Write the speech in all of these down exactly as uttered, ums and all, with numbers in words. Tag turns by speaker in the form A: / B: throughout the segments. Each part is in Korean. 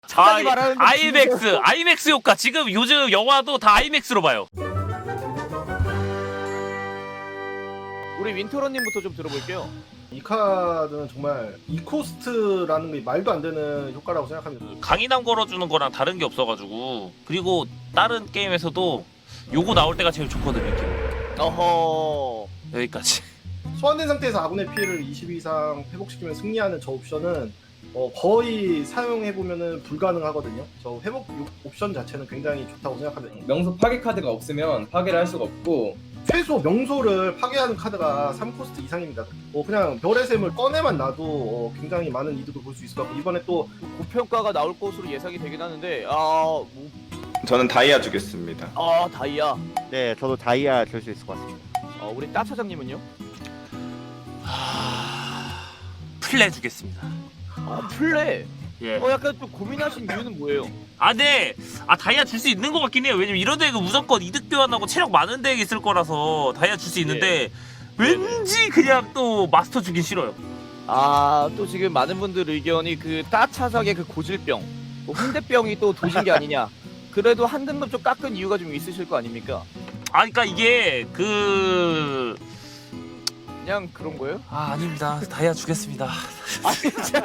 A: 착하게
B: 아,
A: 말하는
B: 아이맥스, 아이맥스 효과. 지금 요즘 영화도 다 아이맥스로 봐요.
A: 우리 윈터런님부터 좀 들어볼게요.
C: 이 카드는 정말 이코스트라는 게 말도 안 되는 효과라고 생각합니다.
B: 강인함 걸어주는 거랑 다른 게 없어가지고. 그리고 다른 게임에서도 요거 나올 때가 제일 좋거든요. 이렇게.
A: 어허.
B: 여기까지.
C: 소환된 상태에서 아군의 피해를 이십 이상 회복시키면 승리하는 저 옵션은 어, 거의 사용해보면 불가능하거든요. 저 회복 옵션 자체는 굉장히 좋다고 생각합니다.
D: 명소 파괴 카드가 없으면 파괴를 할 수가 없고,
C: 최소 명소를 파괴하는 카드가 삼 코스트 이상입니다. 어, 그냥 별의 샘을 꺼내만 놔도 어, 굉장히 많은 이득을 볼 수 있을 것 같고, 이번에 또
A: 고평가가 나올 것으로 예상이 되긴 하는데 아, 뭐,
E: 저는 다이아 주겠습니다.
A: 아 다이아.
F: 네, 저도 다이아 줄 수 있을 것 같습니다.
A: 어, 우리 따 차장님은요?
B: 하... 플레 주겠습니다.
A: 아 플레.
B: 예.
A: 어 약간 좀 고민하신 이유는 뭐예요?
B: 아, 네. 아, 다이아 줄 수 있는 것 같긴 해요. 왜냐면 이런 데가 무조건 이득 교환하고 체력 많은 데에 있을 거라서 다이아 줄 수 있는데 왠지 그냥 또 마스터 주긴 싫어요.
A: 아 또 지금 많은 분들 의견이 그 따 차장의 그 고질병, 뭐 홍대병이 또 도진 게 아니냐. 그래도 한 등급 좀 깎은 이유가 좀 있으실 거 아닙니까?
B: 아, 그러니까 이게 그...
A: 그냥 그런 거예요?
B: 아, 아닙니다. 다이아 주겠습니다.
A: 아니 진짜.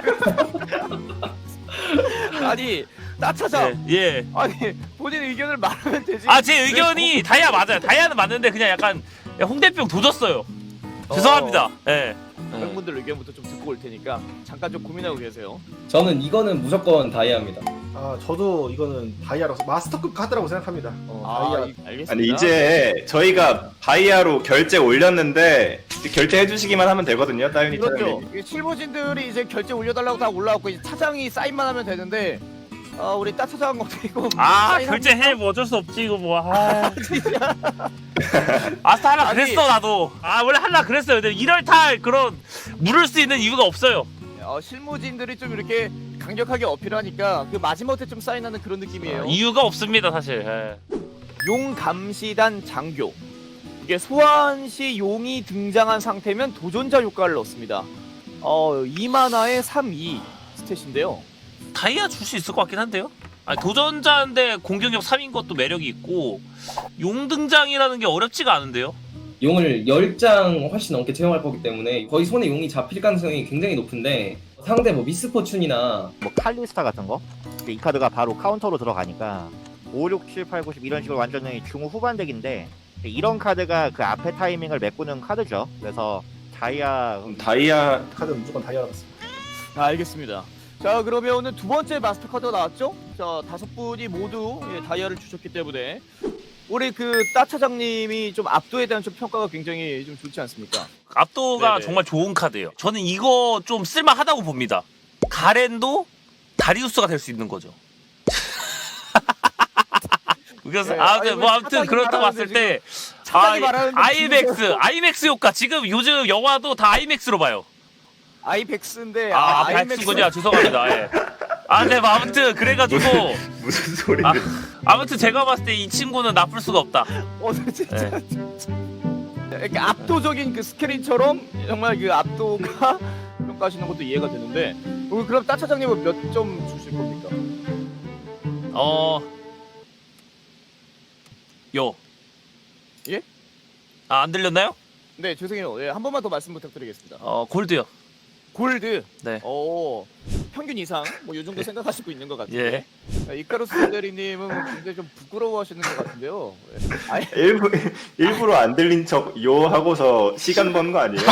A: 아니 따 차장.
B: 예. 예.
A: 아니 본인 의견을 말하면 되지.
B: 아, 제 의견이 다이아 맞아요. 다이아는 맞는데 그냥 약간 홍대병 도졌어요. 죄송합니다. 예.
A: 팬분들 의견부터 좀 듣고 올 테니까 잠깐 좀 고민하고 계세요.
D: 저는 이거는 무조건 다이아입니다.
C: 아, 저도 이거는 다이아라서 마스터급 카드라고 생각합니다. 어,
A: 아,
C: 다이아.
A: 이- 알겠습니다.
E: 아니 이제 저희가 다이아로 결제 올렸는데 결제해 주시기만 하면 되거든요, 따윤이
A: 그렇죠.
E: 차장님.
A: 이 칠보진들이 이제 결제 올려달라고 다 올라왔고 이제 차장이 사인만 하면 되는데 아 우리 따 차장 어떻게
B: 아, 결제해. 뭐 어쩔 수 없지, 이거 뭐. 아, 아싸 하라
A: 아니.
B: 그랬어, 나도. 아, 원래 하려 그랬어요. 근데 이럴 탈 그런 물을 수 있는 이유가 없어요.
A: 어, 실무진들이 좀 이렇게 강력하게 어필하니까 그 마지못해 좀 사인하는 그런 느낌이에요.
B: 아, 이유가 없습니다, 사실. 예.
A: 용 감시단 장교. 이게 소환 시 용이 등장한 상태면 도전자 효과를 넣습니다. 어, 이 마나에 삼, 이 스탯인데요.
B: 다이아 줄 수 있을 것 같긴 한데요. 아니, 도전자인데 공격력 삼인 것도 매력이 있고 용 등장이라는 게 어렵지가 않은데요.
D: 용을 열 장 훨씬 넘게 채용할 거기 때문에 거의 손에 용이 잡힐 가능성이 굉장히 높은데, 상대 뭐 미스포춘이나
F: 뭐 칼리스타 같은 거? 근데 이 카드가 바로 카운터로 들어가니까 오, 육, 칠, 팔, 구, 십 이런 식으로 완전히 중후반 덱인데 이런 카드가 그 앞에 타이밍을 메꾸는 카드죠. 그래서 다이아
E: 그럼 다이아
C: 카드는 무조건 다이아라고 습니다.
A: 아, 알겠습니다. 자 그러면 오늘 두 번째 마스터 카드가 나왔죠? 자 다섯 분이 모두 예, 다이아를 주셨기 때문에 우리 그 따 차장님이 좀 압도에 대한 좀 평가가 굉장히 좀 좋지 않습니까?
B: 압도가
A: 네네.
B: 정말 좋은 카드예요. 저는 이거 좀 쓸만하다고 봅니다. 가렌도 다리우스가 될 수 있는 거죠. 그래서
A: 네,
B: 아, 네,
A: 아니,
B: 뭐
A: 왜
B: 아무튼
A: 차장이
B: 그렇다고
A: 말하는데
B: 봤을 때
A: 차장이
B: 아,
A: 말하는데
B: 아이맥스, 아이맥스 효과. 지금 요즘 영화도 다 아이맥스로 봐요.
A: 아이백스인데
B: 아,
A: 아, 아이맥스.
B: 백스군요. 죄송합니다. 예. 아, 네, 뭐 아무튼 그래가지고
E: 무슨 소리인데?
B: 아, 아무튼 제가 봤을 때 이 친구는 나쁠 수가 없다.
A: 어 진짜
B: 네.
A: 진짜. 이렇게 압도적인 그 스크린처럼 정말 그 압도가 평가하시는 것도 이해가 되는데 오늘 그럼 따 차장님은 몇 점 주실 겁니까?
B: 어, 요.
A: 예?
B: 아, 안 들렸나요?
A: 네 죄송해요. 예, 한 번만 더 말씀 부탁드리겠습니다.
B: 어, 골드요.
A: 골드.
B: 네.
A: 어 평균 이상 뭐 이 정도 생각하시고 있는 것 같아요.
B: 예.
A: 이카루스 대리님은 굉장히 좀 부끄러워하시는 것 같은데요. 예. 아니,
E: 일부 일부러 안 들린 척 요 하고서 시간 버는 거 아니에요?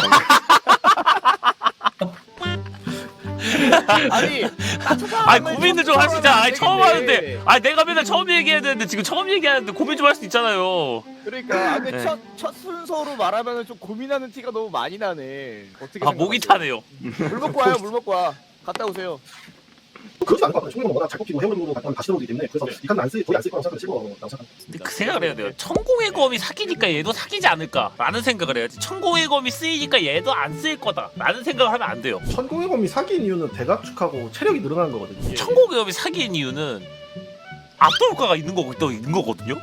A: 아니,
B: 아니, 고민을 좀 할 수 있잖아. 아니, 처음
A: 되겠네.
B: 하는데. 아니, 내가 맨날 처음 얘기해야 되는데 지금 처음 얘기하는데 고민 좀 할 수 있잖아요.
A: 그러니까 아, 근데
B: 네.
A: 첫, 첫 순서로 말하면 좀 고민하는 티가 너무 많이 나네. 어떻게
B: 아, 목이
A: 생각하세요?
B: 타네요.
A: 물 먹고 와요, 물 먹고 와. 갔다 오세요.
C: 그렇지 않을 것 같아요. 충분히 워낙 잘 뽑히고 해물로 갔다 다시 들어오기 때문에 그래서 이 카드는 안 쓰, 거의 안 쓸 거라고 생각하면 실거라고 생각합니다.
B: 근데 그 생각을 해야 돼요. 천공의 검이 사기니까 얘도 사기지 않을까라는 생각을 해야지. 천공의 검이 쓰이니까 얘도 안 쓰일 거다라는 생각을 하면 안 돼요.
C: 천공의 검이 사기인 이유는 대각축하고 체력이 늘어나는 거거든요.
A: 예.
B: 천공의 검이 사기인 이유는 압도 효과가 있는 거고 또 있는 거거든요.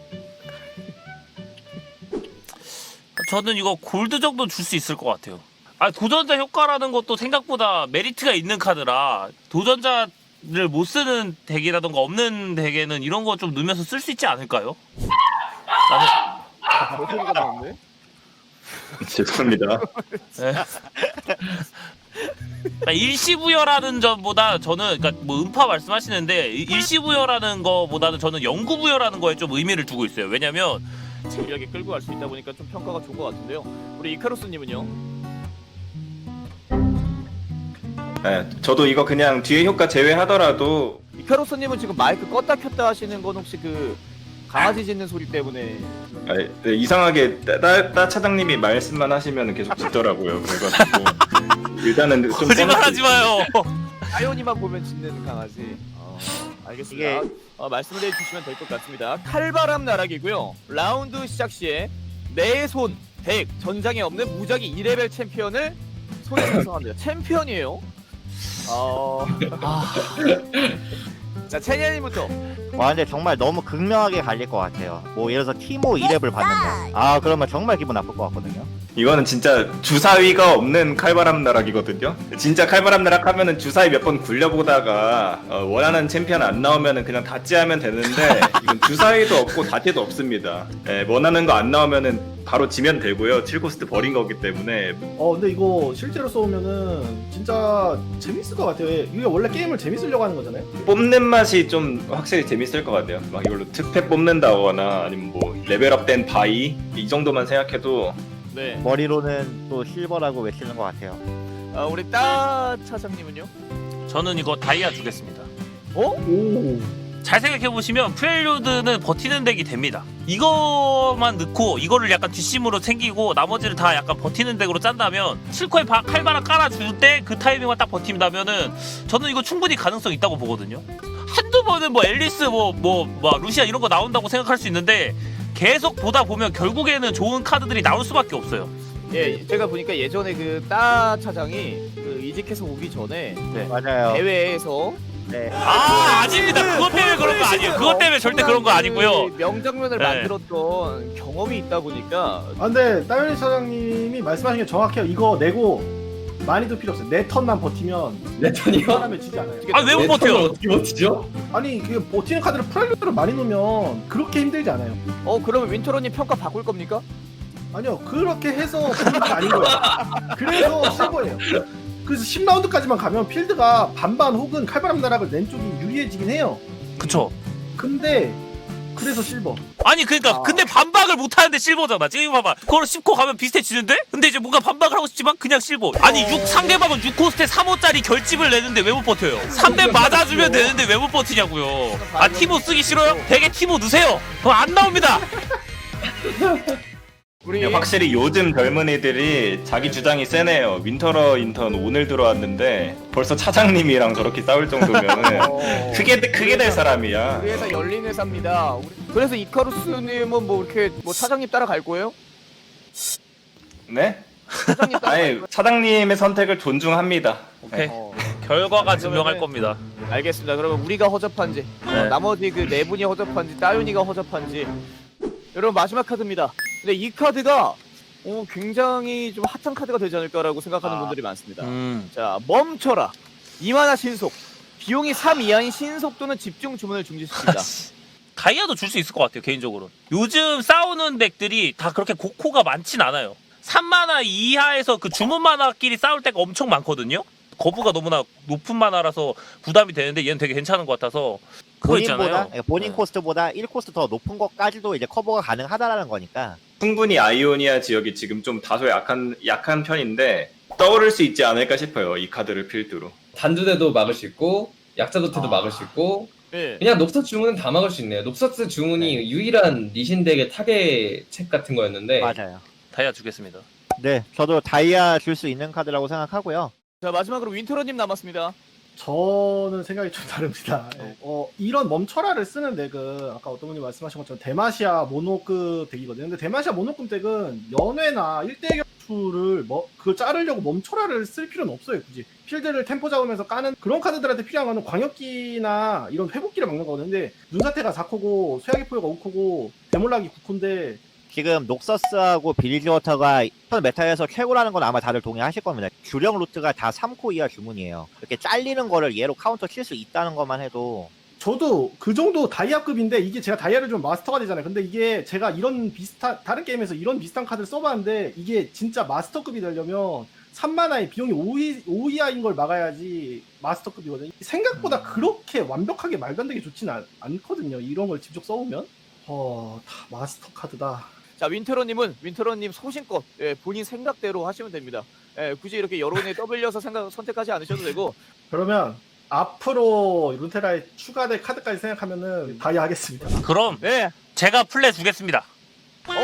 B: 저는 이거 골드 정도 줄 수 있을 것 같아요. 아 도전자 효과라는 것도 생각보다 메리트가 있는 카드라 도전자를 못 쓰는 덱이라던가 없는 덱에는 이런 거 좀 넣으면서 쓸 수 있지 않을까요?
A: 저 소리가 나왔네.
E: 죄송합니다.
B: 네. 그러니까 일시부여라는 점보다 저는 그러니까 뭐 음파 말씀하시는데 일시부여라는 거보다는 저는 영구부여라는 거에 좀 의미를 두고 있어요. 왜냐면
A: 재미하게 끌고 갈 수 있다 보니까 좀 평가가 좋은 것 같은데요. 우리 이카루스님은요?
E: 네, 저도 이거 그냥 뒤에 효과 제외하더라도
A: 이카루스님은 지금 마이크 껐다 켰다 하시는 건 혹시 그 강아지 짖는 소리 때문에
E: 아, 네, 이상하게 따, 따, 따 차장님이 말씀만 하시면 계속 짖더라고요. 그래가지고 일단은 좀
B: 거짓말하지 마요.
A: 아이오니만 보면 짖는 강아지. 어, 알겠습니다.
F: 이게-
A: 어, 말씀을 해주시면 될 것 같습니다. 칼바람 나락이고요. 라운드 시작 시에 내 손, 덱, 전장에 없는 무작위 이 레벨 챔피언을 손에 작성합니다. 챔피언이에요. 어... 아... 자, 채니아님부터.
F: 와 근데 정말 너무 극명하게 갈릴 것 같아요. 뭐 예를 들어서 티모 이 렙을 받는다. 아 그러면 정말 기분 나쁠 것 같거든요.
E: 이거는 진짜 주사위가 없는 칼바람 나락이거든요. 진짜 칼바람 나락 하면은 주사위 몇 번 굴려보다가 어, 원하는 챔피언 안 나오면은 그냥 다찌하면 되는데 이건 주사위도 없고 다찌도 없습니다. 예, 원하는 거 안 나오면은 바로 지면 되고요. 칠 코스트 버린 거기 때문에
C: 어 근데 이거 실제로 써오면은 진짜 재밌을 것 같아요. 이게 원래 게임을 재밌으려고 하는 거잖아요.
E: 뽑는 맛이 좀 확실히 재밌을 것 같아요. 막 이걸로 특패 뽑는다거나 아니면 뭐 레벨업된 바이 이 정도만 생각해도
A: 네.
F: 머리로는 또 실버라고 외치는 것 같아요.
A: 아, 우리 따 차장님은요?
B: 저는 이거 다이아 주겠습니다.
A: 어?
C: 오.
B: 잘 생각해보시면 프렐류드는 버티는 덱이 됩니다. 이거만 넣고 이거를 약간 뒷심으로 챙기고 나머지를 다 약간 버티는 덱으로 짠다면 칠 코에 바, 칼바람 깔아줄 때 그 타이밍만 딱 버틴다면은 저는 이거 충분히 가능성 있다고 보거든요. 한두 번은 뭐 앨리스 뭐 뭐 뭐 루시아 이런 거 나온다고 생각할 수 있는데 계속 보다 보면 결국에는 좋은 카드들이 나올 수밖에 없어요.
A: 예, 제가 보니까 예전에 그 따 차장이 그 이직해서 오기 전에
F: 맞아요.
A: 대회에서
F: 네.
B: 아 아닙니다. 그것 때문에 그런 거 아니에요. 그것 때문에 절대 그런 거 아니고요.
A: 그 명장면을
B: 네.
A: 만들었던 경험이 있다 보니까
C: 아 근데 따윤이 사장님이 말씀하신 게 정확해요. 이거 내고 많이도 필요 없어요. 내 턴만 버티면
D: 내 턴이요?
C: 사람에 지지 않아요.
B: 아 왜 못
D: 내 턴을
B: 버텨요?
D: 어떻게 버티죠?
C: 아니 그 버티는 카드를 프라이드로 많이 놓으면 그렇게 힘들지 않아요.
A: 어 그러면 윈터로님 평가 바꿀 겁니까?
C: 아니요 그렇게 해서 필드가 아닌 거예요. 그래서 실버예요. 그래서 십 라운드까지만 가면 필드가 반반 혹은 칼바람 나락을 낸 쪽이 유리해지긴 해요.
B: 그쵸.
C: 근데 그래서 실버.
B: 아니 그러니까
A: 아.
B: 근데 반박을 못 하는데 실버잖아. 지금 봐봐. 그걸 씹고 가면 비슷해지는데? 근데 이제 뭔가 반박을 하고 싶지만 그냥 실버. 아니 육 상대방은 육 코스트에 삼 호짜리 결집을 내는데 왜 못 버텨요? 삼 대 맞아주면 되는데 왜 못 버티냐고요. 아 티모 쓰기 싫어요? 되게 티모 넣으세요. 그럼 안 나옵니다.
A: 우리
E: 확실히 요즘 젊은이들이 자기 주장이 세네요. 윈터러 인턴 오늘 들어왔는데 벌써 차장님이랑 저렇게 싸울 정도면은
A: 어,
E: 크게 크게 될 사람이야.
A: 우리 회사 열린 회사입니다. 우리- 그래서 이카루스님은 뭐 이렇게 뭐 차장님 따라갈 거예요?
E: 네?
A: 차장님 따라갈
E: 아니
A: 거예요?
E: 차장님의 선택을 존중합니다.
B: 오케이.
A: 어,
B: 결과가
A: 그러면은-
B: 증명할 겁니다.
A: 알겠습니다. 그러면 우리가 허접한지 어,
B: 네.
A: 나머지 그 네 분이 허접한지 따윤이가 허접한지 여러분 마지막 카드입니다. 근데 이 카드가 어, 굉장히 좀 핫한 카드가 되지 않을까라고 생각하는
B: 아.
A: 분들이 많습니다.
B: 음.
A: 자 멈춰라 이만화 신속 비용이 삼 이하인 신속 또는 집중 주문을 중지시킵니다.
B: 다이아도 줄 수 있을 것 같아요 개인적으로. 요즘 싸우는 덱들이 다 그렇게 고코가 많진 않아요. 삼 마나 이하에서 그 주문 마나끼리 싸울 때가 엄청 많거든요. 거부가 너무나 높은 마나라서 부담이 되는데 얘는 되게 괜찮은 것 같아서 그거
F: 본인보다
B: 있잖아요.
F: 예, 본인
B: 네.
F: 코스트보다 일 코스트 더 높은 것까지도 이제 커버가 가능하다라는 거니까.
E: 충분히 아이오니아 지역이 지금 좀 다소 약한 약한 편인데 떠오를 수 있지 않을까 싶어요. 이 카드를 필두로.
D: 단두대도 막을 수 있고 약자 도태도
A: 아.
D: 막을 수 있고
A: 네.
D: 그냥 녹서 주문은 다 막을 수 있네요. 녹서스 주문이 유일한 리신 덱의 타겟 책 같은 거였는데
F: 맞아요.
B: 다이아 주겠습니다.
F: 네, 저도 다이아 줄 수 있는 카드라고 생각하고요.
A: 자 마지막으로 윈터러님 남았습니다.
C: 저는 생각이 좀 다릅니다. 예. 어, 이런 멈춰라를 쓰는 덱은 아까 어떤 분이 말씀하신 것처럼 데마시아 모노급 덱이거든요. 근데 데마시아 모노급 덱은 연회나 일 대 격투를 뭐 그걸 자르려고 멈춰라를 쓸 필요는 없어요. 굳이 필드를 템포 잡으면서 까는 그런 카드들한테 필요한 거는 광역기나 이런 회복기를 막는 거거든요. 근데 눈사태가 사 코고 쇠야기 포효가 오 코고 데몰락이 구 코인데
F: 지금 녹서스하고 빌리지워터가 현 메타에서 최고라는 건 아마 다들 동의하실 겁니다. 주력 루트가 다 삼 코 이하 주문이에요. 이렇게 잘리는 거를 얘로 카운터 칠 수 있다는 것만 해도
C: 저도 그 정도 다이아급인데 이게 제가 다이아를 좀 마스터가 되잖아요. 근데 이게 제가 이런 비슷한 다른 게임에서 이런 비슷한 카드를 써봤는데 이게 진짜 마스터급이 되려면 삼 마나의 비용이 오 이하인 걸 막아야지 마스터급이거든요. 생각보다 그렇게 완벽하게 말도 안 되게 좋지는 않, 않거든요. 이런 걸 직접 써보면 어, 다 마스터 카드다.
A: 자, 윈테러님은 윈테러님 소신껏 예, 본인 생각대로 하시면 됩니다. 예, 굳이 이렇게 여론에 떠밀려서 생각 선택하지 않으셔도 되고.
C: 그러면 앞으로 루테라에 추가될 카드까지 생각하면은 다이아 하겠습니다.
B: 그럼
A: 네.
B: 제가 플레 주겠습니다.
A: 어?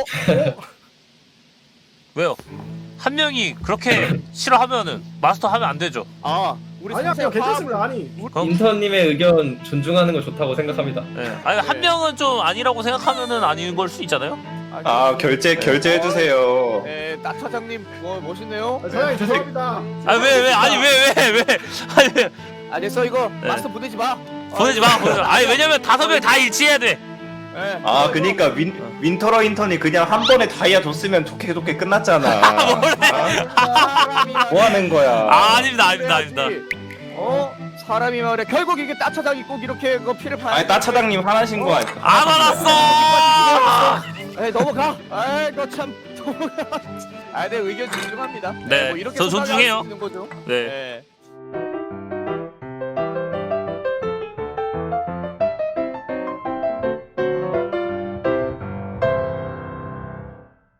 B: 왜요? 한 명이 그렇게 싫어하면은 마스터 하면 안 되죠.
A: 아, 우리
C: 아니야, 그냥
A: 상세 화합-
C: 괜찮습니다. 아니
B: 그럼
D: 인턴님의 의견 존중하는 거 좋다고 생각합니다.
B: 예. 아니 한
A: 네.
B: 명은 좀 아니라고 생각하면은 아닌 걸 수 있잖아요.
E: 아 결제 결제해 주세요.
A: 네, 나 차장님 뭐 멋있네요.
C: 아, 사장님 죄송합니다.
B: 아니 왜 왜 아니 왜 왜 왜 아니 왜
A: 아, 됐어 이거
B: 네.
A: 마스터 보내지 마.
B: 보내지 마 보내지 마. 아니 왜냐면 다섯 명 다 일치해야 돼.
A: 예.
E: 아 그니까 윈 윈터러 인턴이 그냥 한 번에 다이아 줬으면 좋게 좋게 끝났잖아. 아, 뭐 하는 거야?
B: 아, 아닙니다 아닙니다 아닙니다.
A: 어? 사람이 말해 결국 이게 따차장이 꼭 이렇게 그 피를 봐.
E: 아니 따차장님 화나신 거 아니야?
B: 안 알았어.
A: 에 넘어가. 아이 너참 넘어가. 아, 내 의견 존중합니다.
B: 네,
A: 뭐 이렇게
B: 저
A: 생각할
B: 존중해요.
A: 수 있는 거죠.
B: 네.
A: 네.